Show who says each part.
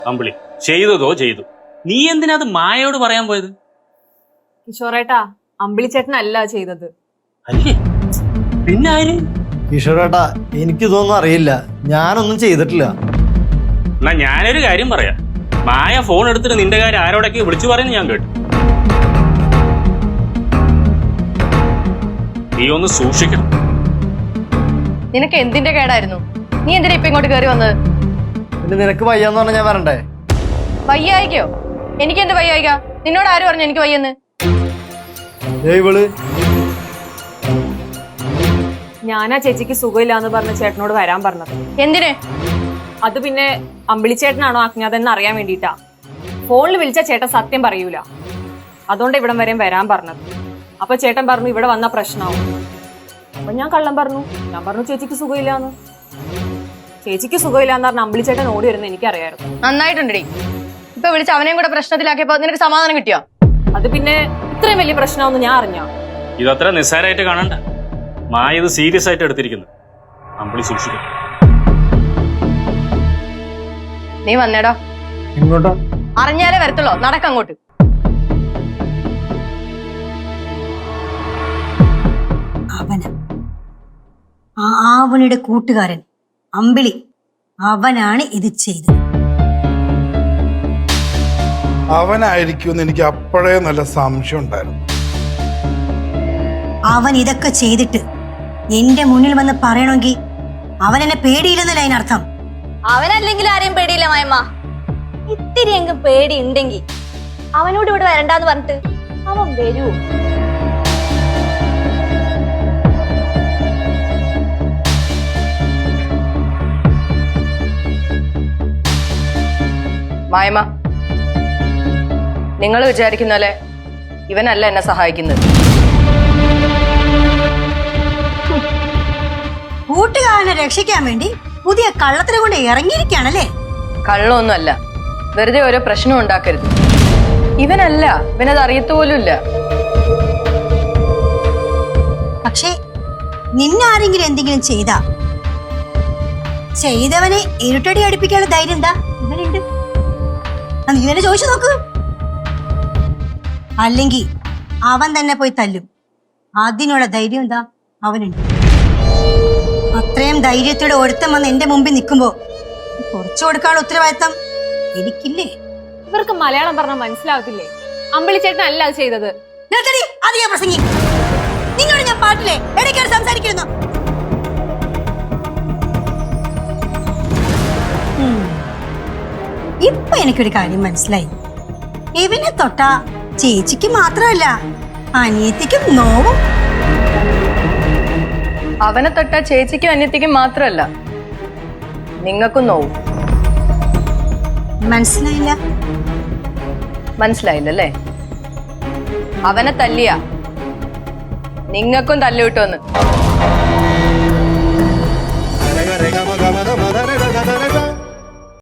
Speaker 1: അമ്പിളി ചെയ്തതോ ചെയ്തു. നീ എന്തിനാ അത് മായയോട് പറയാൻ പോയത്?
Speaker 2: കിഷോറേട്ടാ, അമ്പിളി ചേട്ടനല്ല ചെയ്തത്.
Speaker 1: അല്ലേ പിന്നെ ആര്?
Speaker 3: കിഷോറേട്ടാ, എനിക്കിതൊന്നും അറിയില്ല, ഞാനൊന്നും ചെയ്തിട്ടില്ല.
Speaker 1: എന്നാ ഞാനൊരു കാര്യം പറയാം. മായ ഫോൺ എടുത്തിട്ട് നിന്റെ കാര്യം ആരോടൊക്കെ വിളിച്ചു പറയുന്നു ഞാൻ കേട്ടു. നീ ഒന്ന് സൂക്ഷിക്കണം.
Speaker 4: നിനക്ക് എന്തിന്റെ കേടായിരുന്നു? നീ എന്തിനാ ഇപ്പൊ ഇങ്ങോട്ട് കയറി വന്നത്?
Speaker 3: പിന്നെ നിനക്ക് വയ്യാന്ന് പറഞ്ഞാൽ ഞാൻ വരണ്ടേ?
Speaker 4: വയ്യായിക്കോ? എനിക്ക് എന്ത് വയ്യായിക്ക? നിന്നോട് ആര് പറഞ്ഞു എനിക്ക് വയ്യെന്ന്?
Speaker 3: ഇവള്
Speaker 2: ഞാനാ ചേച്ചിക്ക് സുഖമില്ലാന്ന് പറഞ്ഞ ചേട്ടനോട് വരാൻ പറഞ്ഞത്.
Speaker 4: എന്തിന്?
Speaker 2: അത് പിന്നെ അമ്പിളി ചേട്ടനാണോ അജ്ഞാതെന്ന് അറിയാൻ വേണ്ടിയിട്ടാ. ഫോണിൽ വിളിച്ച ചേട്ടൻ സത്യം പറയൂല, അതുകൊണ്ട് ഇവിടം വരെയും വരാൻ പറഞ്ഞത്. അപ്പൊ ചേട്ടൻ പറഞ്ഞു ഇവിടെ വന്ന പ്രശ്നമാവും. അപ്പൊ ഞാൻ കള്ളം പറഞ്ഞു. ഞാൻ പറഞ്ഞു ചേച്ചിക്ക് സുഖമില്ലാന്ന്. ചേച്ചിക്ക് സുഖമില്ലാന്ന് പറഞ്ഞ അമ്പിളി ചേട്ടൻ ഓടി വരുന്ന എനിക്കറിയായിരുന്നു.
Speaker 4: നന്നായിട്ടുണ്ടടി. ഇപ്പൊ വിളിച്ച് അവനെയും കൂടെ പ്രശ്നത്തിലാക്കിയപ്പോ നിനക്ക് സമാധാനം കിട്ടിയോ?
Speaker 2: അത് പിന്നെ ഇത്രയും വലിയ പ്രശ്നമാണെന്ന് ഞാൻ അറിഞ്ഞോ?
Speaker 1: ഇതത്ര നിസ്സാരമായിട്ട് കാണണ്ട. മായ ഇത് സീരിയസ് ആയിട്ട് എടുത്തിരിക്കുന്നു. അമ്പിളി സൂക്ഷിക്കും.
Speaker 4: നീ വന്നേടോ.
Speaker 3: ഇങ്ങോട്ടോ?
Speaker 4: അറിഞ്ഞാലേ വരത്തുള്ളോ, നടക്കങ്ങോട്ട്.
Speaker 5: ആവണിയുടെ കൂട്ടുകാരൻ അമ്പിളി, അവനാണ് ഇത് ചെയ്തത്.
Speaker 6: അവനായിരിക്കുമെന്ന് എനിക്ക് അപ്പോഴേ നല്ല സംശയം ഉണ്ടായിരുന്നു.
Speaker 5: അവൻ ഇതൊക്കെ ചെയ്തിട്ട് എന്റെ മുന്നിൽ വന്ന് പറയണമെങ്കിൽ അവൻ എന്നെ പേടിയില്ലെന്നല്ല അതിനർത്ഥം.
Speaker 7: അവനല്ലെങ്കിൽ ആരെയും പേടിയില്ല മായമ്മ. ഇത്തിരി എങ്കും പേടി ഉണ്ടെങ്കിൽ അവനോട് ഇവിടെ വരണ്ടാന്ന് പറഞ്ഞിട്ട് അവൻ വരൂ.
Speaker 4: മായമ്മ, നിങ്ങൾ വിചാരിക്കുന്ന പോലെ ഇവനല്ല എന്നെ സഹായിക്കുന്നത്.
Speaker 5: കൂട്ടുകാരനെ രക്ഷിക്കാൻ വേണ്ടി പുതിയ കള്ളത്തിനെ കൊണ്ട് ഇറങ്ങിയിരിക്കുകയാണല്ലേ?
Speaker 4: കള്ളമൊന്നുമല്ല, വെറുതെ ഓരോ പ്രശ്നം ഉണ്ടാക്കരുത്. ഇവനല്ല, ഇവനത് അറിയത്തുപോലുമില്ല.
Speaker 5: പക്ഷേ നിന്നാരെങ്കിലും എന്തെങ്കിലും ചെയ്തവനെ ഇരുട്ടടി അടുപ്പിക്കാനുള്ള ധൈര്യം എന്താ ഇവനുണ്ട്? നീ തന്നെ ചോദിച്ചു നോക്ക്. അല്ലെങ്കിൽ അവൻ തന്നെ പോയി തല്ലും. അതിനുള്ള ധൈര്യം എന്താ അവനുണ്ട്. അത്രയും ധൈര്യത്തോടെ ഒരുത്തം വന്ന് എന്റെ മുമ്പിൽ നിൽക്കുമ്പോ കുറച്ചു കൊടുക്കാനുള്ള ഉത്തരവാദിത്തം എനിക്കില്ലേ?
Speaker 2: ഇവർക്ക് മലയാളം പറഞ്ഞാൽ മനസ്സിലാവത്തില്ലേ? അമ്പിളി ചേട്ടനല്ല അത് ചെയ്തത്.
Speaker 5: അധികം പ്രസംഗി. നിന്നോട് ഞാൻ പാട്ടില്ലേ ഇടയ്ക്കാണ് സംസാരിക്കുന്നു. ഇപ്പൊ എനിക്കൊരു കാര്യം മനസ്സിലായി. ഇവനെ തൊട്ടാ ചേച്ചിക്ക് മാത്രമല്ല അനിയത്തിക്കും നോവും.
Speaker 4: അവനെ തൊട്ട ചേച്ചിക്കും അന്യത്തിക്കും മാത്രമല്ല നിങ്ങൾക്കും നോവും. മനസ്സിലായില്ലല്ലേ? അവനെ തല്ലിയ നിങ്ങൾക്കും തല്ലു കിട്ടുമെന്ന്.